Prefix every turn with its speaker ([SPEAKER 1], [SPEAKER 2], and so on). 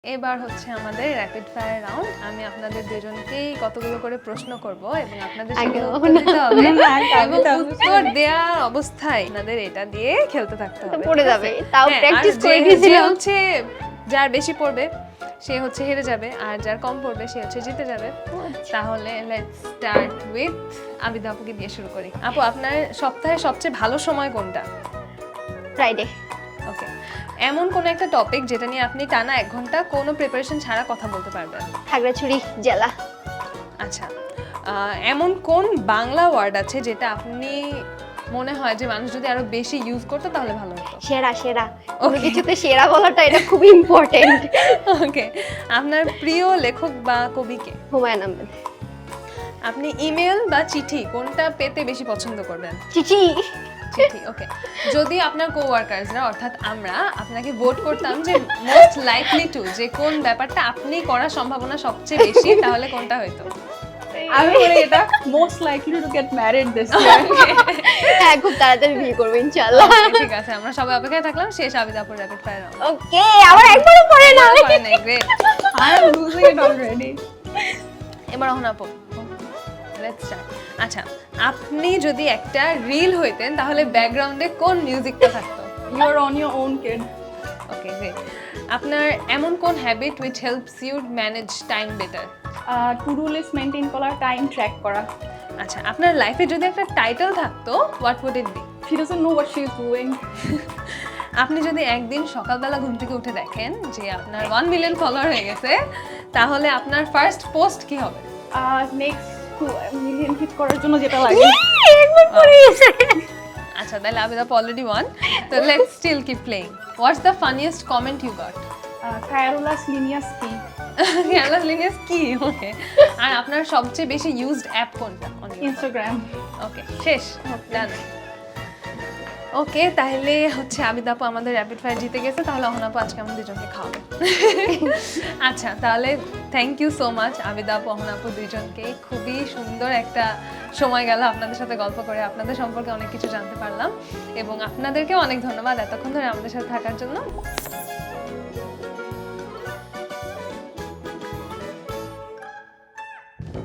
[SPEAKER 1] এবার হচ্ছে আমাদের র্যাপিড ফায়ার রাউন্ড। আমি আপনাদের দুজনকেই কতগুলো করে প্রশ্ন করব এবং আপনাদের সেগুলো উত্তর দিতে হবে এবং উত্তর দেওয়ার অবস্থায় আপনাদের এটা দিয়ে খেলতে থাকতে হবে।
[SPEAKER 2] পড়ে যাবে, তাও
[SPEAKER 1] হ্যাঁ,
[SPEAKER 2] প্র্যাকটিস
[SPEAKER 1] আর
[SPEAKER 2] করে
[SPEAKER 1] যে
[SPEAKER 2] দিয়েছিলাম।
[SPEAKER 1] হচ্ছে যার বেশি পড়বে সে হচ্ছে হেরে যাবে, আর যার কম পড়বে সে হচ্ছে জিতে যাবে। তাহলে লেটস স্টার্ট উইথ আবিদা আপুকে দিয়ে শুরু করি। আপু, আপনার সপ্তাহের সবচেয়ে ভালো সময় কোনটা?
[SPEAKER 2] ফ্রাইডে।
[SPEAKER 1] ওকে, এমন কোন একটা টপিক যেটা নিয়ে আপনি টানা 1 ঘন্টা কোনো প্রিপারেশন ছাড়া কথা বলতে পারবেন?
[SPEAKER 2] খাগড়াছড়ি জেলা।
[SPEAKER 1] আচ্ছা, এমন কোন বাংলা ওয়ার্ড আছে যেটা আপনি মনে হয় যে মানুষ যদি আরো বেশি ইউজ করতো তাহলে ভালো হতো?
[SPEAKER 2] সেরা সেরা, কোনো কিছুতে সেরা বলাটা এটা খুবই ইম্পর্টেন্ট।
[SPEAKER 1] ওকে, আপনার প্রিয় লেখক বা কবি কে?
[SPEAKER 2] হুমায়ুন আহমেদ।
[SPEAKER 1] আপনি ইমেল বা চিঠি কোনটা পেতে বেশি পছন্দ করবেন?
[SPEAKER 2] চিঠি।
[SPEAKER 1] চিঠি। ওকে, যদি আপনার কোওয়ার্কার্সরা অর্থাৎ আমরা আপনাকে ভোট করতাম যে মোস্ট লাইকলি টু, যে কোন ব্যাপারটা আপনি করার সম্ভাবনা সবচেয়ে বেশি, তাহলে কোনটা হইতো?
[SPEAKER 3] আমি বলি এটা most likely to get married this year.
[SPEAKER 2] হ্যাঁ, খুব তাড়াতাড়ি বিয়ে করবো ইনশাআল্লাহ।
[SPEAKER 1] Okay, ঠিক আছে, আমরা সবাই অপেক্ষায় থাকলাম। শেষ আবিদা আপুর র্যাপিড ফায়ার রাউন্ড।
[SPEAKER 2] ওকে, আবার একবারও পড়ে না।
[SPEAKER 1] Great.
[SPEAKER 3] I am losing it already.
[SPEAKER 1] এবার এখন আপু, লেটস স্টার্ট। আচ্ছা, আপনি যদি একটা রিল হইতেন তাহলে ব্যাকগ্রাউন্ডে কোন মিউজিকটা থাকতো?
[SPEAKER 3] You are on your own kid.
[SPEAKER 1] Okay, great. আপনার এমন কোন habit which helps you manage time better?
[SPEAKER 3] To do list maintain করা, টাইম ট্র্যাক করা।
[SPEAKER 1] আচ্ছা, আপনার লাইফে যদি একটা টাইটেল থাকতো, what would it be?
[SPEAKER 3] She doesn't know what she is doing.
[SPEAKER 1] আপনি যদি একদিন সকালবেলা ঘুম থেকে উঠে দেখেন যে আপনার 1 মিলিয়ন ফলোয়ার হয়ে গেছে, তাহলে আপনার ফার্স্ট পোস্ট কি হবে?
[SPEAKER 3] নেক্সট মিলিয়ন হিট করার জন্য যেটা লাগে।
[SPEAKER 2] একবার পড়ে গেছে।
[SPEAKER 1] আচ্ছা, তাহলে আবিদা অলরেডি ওয়ান, তো let's still keep playing. What's the funniest comment you got?
[SPEAKER 3] কায়ারুলাস লিনিয়াস কি?
[SPEAKER 1] ক্যালাস লিনিয়াস কি? ওকে, আর আপনার সবচেয়ে বেশি ইউজড অ্যাপ কোনটা?
[SPEAKER 3] ইনস্টাগ্রাম।
[SPEAKER 1] ওকে, শেষ, ডান। ওকে, তাহলে হচ্ছে আবিদা আপু আমাদের র্যাপিড ফায়ার জিতে গেছে। তাহলে অহনা আপু আজকে আমাদের দুজনকে খাওয়াবে। আচ্ছা, তাহলে thank you so much Abida আপু, অহনা আপু দুইজনকে। খুবই সুন্দর একটা সময় গেল আপনাদের সাথে গল্প করে, আপনাদের সম্পর্কে অনেক কিছু জানতে পারলাম এবং আপনাদেরকেও অনেক ধন্যবাদ এতক্ষণ ধরে আমাদের সাথে থাকার জন্য।